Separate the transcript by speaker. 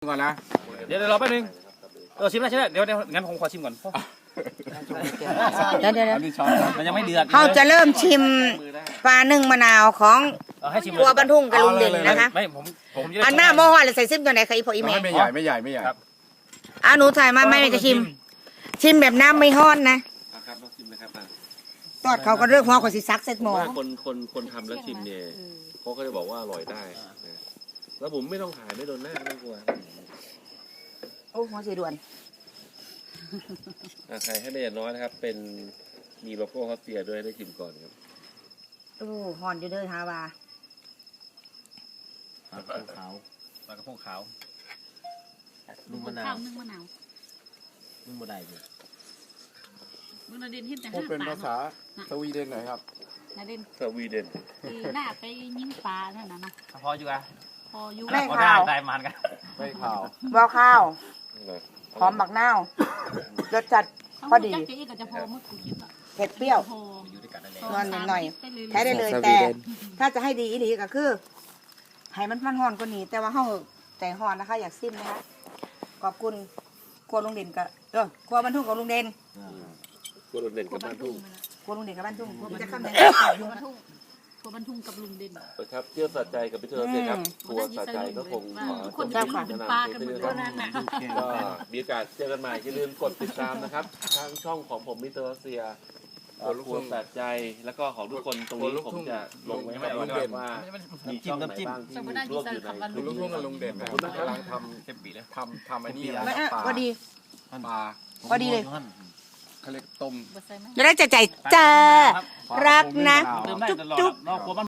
Speaker 1: ก่อนนะ
Speaker 2: เดี๋ยวรอแป๊บนึงชิมได้ใช่ไหมเดี๋ยวงั้นผมขอชิมก่อน
Speaker 3: เดี๋ยว
Speaker 2: มันยังไม่เดือด
Speaker 3: เขาจะเริ่มชิมปลานึ่งมะนาวของ
Speaker 2: ให้ชิม
Speaker 3: ครัวบรรทุงกับลุงเด่นนะคะ
Speaker 2: ไม่ผม
Speaker 3: อันหน้าโมหะเลยใส่ซิมตัวไหนคะอีพออีเมย์
Speaker 1: ไม่ใหญ่ไม่ใหญ่ไม่ใหญ่
Speaker 3: หนูถ่ายมาไม่จะชิมแบบน้ำไม่ฮ้อนนะ
Speaker 4: ครับต้องชิมนะครับ
Speaker 3: ตอดเขาก็เลือกหัวขอสิซักเซ็ตหมอ
Speaker 4: คนทำแล้วชิมเนี่ยเขาก็จะบอกว่าอร่อยได้แล้วผมไม่ต้องถ่ายไม่โดนหน้าไม่กลัว
Speaker 3: โอ้หัวสีด่วน
Speaker 4: ใครให้ได้อย่างน้อยนะครับเป็นมีโลโก้ฮอตเตียด้วยได้ชิมก่อนครับ
Speaker 3: โอ้หอนอยู่เด้อฮาวา
Speaker 2: ปลากระพงขาวปลากระพงขาว
Speaker 5: นึ่งมะนาวนึ่งมะนาว
Speaker 2: นึ่งบะไดเลย
Speaker 5: มึงนาเดนเห็นแต่
Speaker 1: พูด
Speaker 5: ห้า
Speaker 1: เป็น
Speaker 5: ปลา
Speaker 1: ภาษาสวีเดนหน่อยครับ
Speaker 5: นาเดน
Speaker 4: สวีเดน
Speaker 5: หน้าไปยิงปลานั่นน่ะนะ
Speaker 2: พออยู่อ่ะ
Speaker 5: พออยู่
Speaker 3: ไม่ข่าว
Speaker 2: ได้มันกัน
Speaker 1: ไม่ข่าว
Speaker 3: บ่ข้าวหอมบักนาวรสจัดพอดีเผ็ดเปรี้ยวนอนหน่อยใช้ได้เลยแต่ถ้าจะให้ดีอีหลีก็คือให้มันฮ้อนกว่านี้แต่ว่าเฮาใจฮ้อนนะคะอยากซิมนะคะขอบคุณครัวลุงเด่นกับครัวบรรทุกกับลุงเด่น
Speaker 4: ครัวลุงเด่นกับบ้านทุ่ง
Speaker 3: ครัวลุงเด่นกับบ้านทุ่งจะข้ามไหน
Speaker 5: ครัวบรรทุงกับลุงเด่น
Speaker 4: ครับเที่ยวสัจใจกับพี่เธอเสร็จครับครัวสัจใจก็คง
Speaker 5: ขอจะเป็นปลากันหมดแล้วนั่นน่ะ
Speaker 4: ก็มีโอกาสเจอกันใหม่อย่าลืมกดติดตามนะครับทางช่องของผมมิสเตอร์เซียครัวสัจใจแล้วก็ของทุกคนตรงนี้ผมจะลงไว้ให้ว่ามีช่องไหนบ้างที่ร่วมอยู่ใน
Speaker 1: ลุงทุ่งกับลุงเด่นนะกำลังทำไอ้นี่ปลา
Speaker 3: พอดีพอดีเลย
Speaker 1: เขาเรียกต้ม
Speaker 3: จะได้ใจเจอรักนะ
Speaker 2: จุ๊บ